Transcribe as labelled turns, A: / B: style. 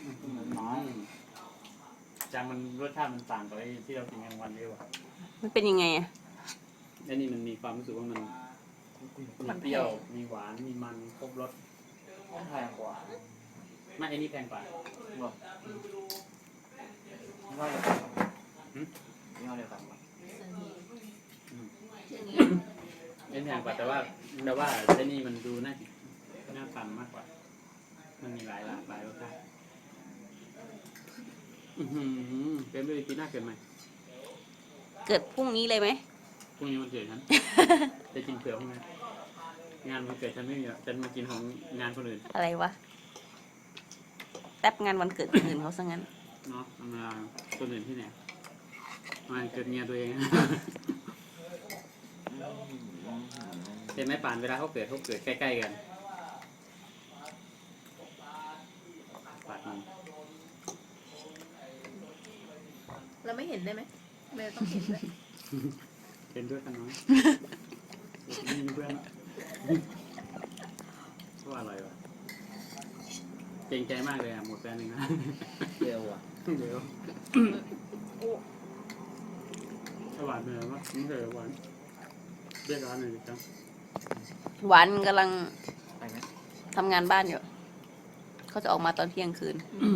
A: น้อยจังมันรสชาติมันต่างกับไอ้ที่เรากินกลางวันเยอะว่ะ
B: มันเป็นยังไงอ่ะ
A: ไอ้นี่มันมีความรู้สึกว่ามันมีเปรี้ยวมีหวานมีมันครบรส
C: แพงกว่า
A: ไม่ไอ้นี่แพงกว่า
C: บอกยี่ห้อเดียวกันยี่ห้อเดียวกัน
A: ไอ้นี่แพงกว่าแต่ว่าไอ้นี่มันดูน่าฟังมากกว่ามันมีหลายรสชาติเกินไปปีหน้าเกินไหม
B: เกิดพรุ่งนี้เลยไหม
A: พรุ่งนี้มันเกิดฉัน จะกินเผือกพรุ่งนี้งานมันเกิดฉันไม่มีฉันมากินของงานคนอื่น
B: อะไรวะแป๊บงานวันเกิดคนอื่นเขาซะงั้น
A: เนาะมาคนอื่นที่ไหนมาเกิดเมียตัวเอง เห็นไหมป่านเวลาเขาเกิดใกล้ๆกันปาดมัน
D: เราไม่เห็นได้ไหมไม่ต้องเห็นด้วย
A: เป็นด้วยกันน้อยไม่มีเพื่อนก็อร่อยวะเก่งใจมากเลยอ่ะหมดแฟนหนึ่งนะ
C: เร็วอ่ะ
A: เดี๋ยวหวานเลยวะไม่เคยหวานเรียกร้านหน่อยดิครับ
B: หวานกำลัง
C: ไปไหม
B: ทำงานบ้านอยู่ เขาจะออกมาตอนเที่ยงคืน